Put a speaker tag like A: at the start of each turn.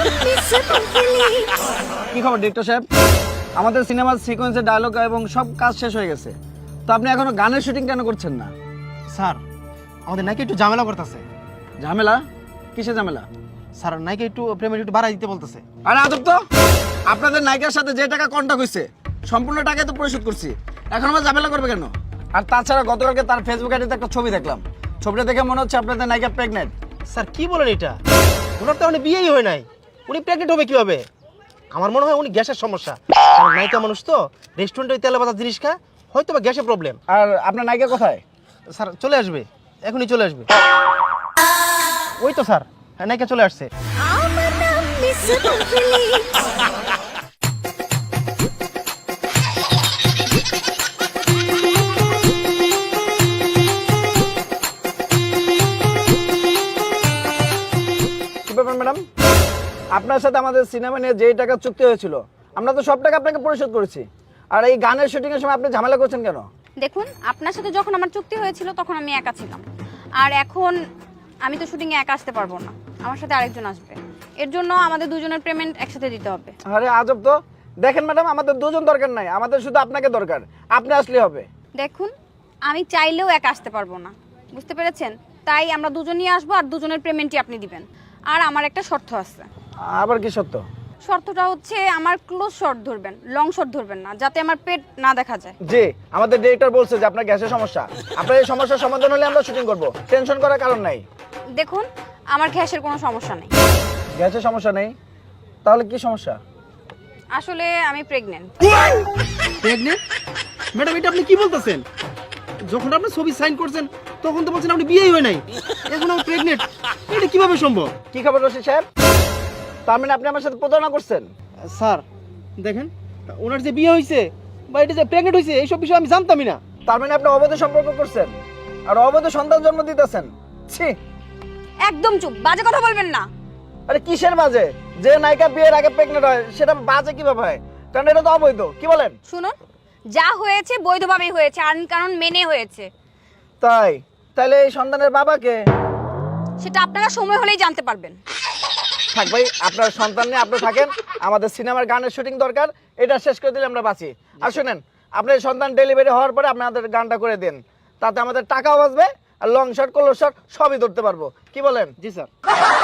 A: কি খবর ডিরেক্টর সাহেব? আমাদের সিনেমার সিকোয়েন্সের ডায়লগ এবং সব কাজ শেষ হয়ে গেছে, তো আপনি এখনো গানের শুটিং কেন করছেন না?
B: স্যার আমাদের নাকি একটু ঝামেলা করতেছে।
A: ঝামেলা? কিসে ঝামেলা?
B: স্যার নাকি একটু পেমেন্ট একটু বাড়াই দিতে বলতেছে।
A: আরে আদব তো, আপনাদের নায়িকার সাথে যে টাকা কন্ট্যাক্ট হয়েছে সম্পূর্ণ টাকাই তো পরিশোধ করছি, এখন আবার ঝামেলা করবে কেন? আর তাছাড়া গতকালকে তার ফেসবুক আইডিতে একটা ছবি দেখলাম, ছবিটা দেখে মনে হচ্ছে আপনাদের নায়িকা প্রেগনেন্ট।
B: স্যার কি বলেন এটা? ওনার তো উনি বিয়েই হয় নাই, উনি প্রেগনেন্ট হবে কিভাবে? আমার মনে হয় উনি গ্যাসের সমস্যা। কারণ নায়িকা মানুষ তো, রেস্টুরেন্টে তেলে ভাজা জিনিস খায়, হয়তো বা গ্যাসের প্রবলেম।
A: আর আপনার নায়িকা কোথায়?
B: স্যার চলে আসবে, এখনই চলে আসবে। ওই তো স্যার, হ্যাঁ নায়িকা চলে আসছে।
A: কি ব্যাপার ম্যাডাম, আপনার সাথে আমাদের সিনেমা নিয়ে যেই টাকা চুক্তি হয়েছিল আমরা তো সব টাকা আপনাকে পরিশোধ করেছি, আর এই গানের শুটিং এর সময় আপনি ঝামেলা করছেন কেন?
C: দেখুন, আপনার সাথে যখন আমার চুক্তি হয়েছিল তখন আমি একা ছিলাম, আর এখন আমি তো শুটিংয়ে একা আসতে পারবো না, আমার সাথে আরেকজন আসবে। এর জন্য আমাদের দুজনের পেমেন্ট একসাথে দিতে হবে।
A: আরে আজব তো, দেখেন ম্যাডাম আমাদের দুজন দরকার নাই, আমাদের শুধু আপনাকে দরকার, আপনি আসলে হবে।
C: দেখুন, আমি চাইলেও একা আসতে পারবো না, বুঝতে পেরেছেন? তাই আমরা দুজনই আসবো আর দুজনের পেমেন্টই আপনি দিবেন। আর আমার একটা শর্ত আছে।
A: আবার কি সত্য?
C: শর্তটা হচ্ছে আমার ক্লোজ শট ধরবেন, লং শট ধরবেন না, যাতে আমার পেট না দেখা যায়।
A: জি, আমাদের ডিরেক্টর বলছে যে আপনার গ্যাসের সমস্যা, আপনার এই সমস্যার সমাধান হলে আমরা শুটিং করব, টেনশন করার কারণ নাই।
C: দেখুন, আমার গ্যাসের কোনো সমস্যা নেই।
A: গ্যাসের সমস্যা নেই? তাহলে কি সমস্যা?
C: আসলে আমি প্রেগনেন্ট।
B: প্রেগনেন্ট? ম্যাডাম এটা আপনি কি বলতেছেন? যখন আপনি ছবি সাইন করছেন তখন তো বলছেন আপনি বিয়েই হয় নাই, এখন আমি প্রেগনেন্ট, এটা কিভাবে সম্ভব?
A: কি খবর রশিদ সাহেব? তার মানে আপনি আমার সাথে প্রতারণা করছেন?
B: স্যার দেখেন, ওনার যে বিয়ে হয়েছে বা এটা যে প্রেগনেন্ট হয়েছে এইসব বিষয় আমি জানতামই না।
A: তার মানে আপনি অবৈধ সম্পর্ক করছেন আর অবৈধ সন্তান জন্ম দিতেছেন? ছি!
C: একদম চুপ, বাজে কথা বলবেন না।
A: আরে কিসের বাজে? যে নায়িকা বিয়ের আগে প্রেগনেন্ট হয় সেটা বাজে কিভাবে হয়? কারণ এটা তো অবৈধ। কি বলেন?
C: শুনুন, যা হয়েছে বৈধভাবেই হয়েছে, আইন কানুন মেনে হয়েছে।
A: তাই? তাহলে এই সন্তানের বাবাকে?
C: সেটা আপনারা সময় হলেই জানতে পারবেন।
A: থাক ভাই, আপনার সন্তান নিয়ে আপনি থাকেন, আমাদের সিনেমার গানের শুটিং দরকার, এটা শেষ করে দিলে আমরা বাঁচি। আর শুনেন, আপনার সন্তান ডেলিভারি হওয়ার পরে আপনাদের গানটা করে দিন, তাতে আমাদের টাকাও বাঁচবে আর লং শট ক্লোজ শট সবই ধরতে পারবো। কি বলেন?
B: জি স্যার।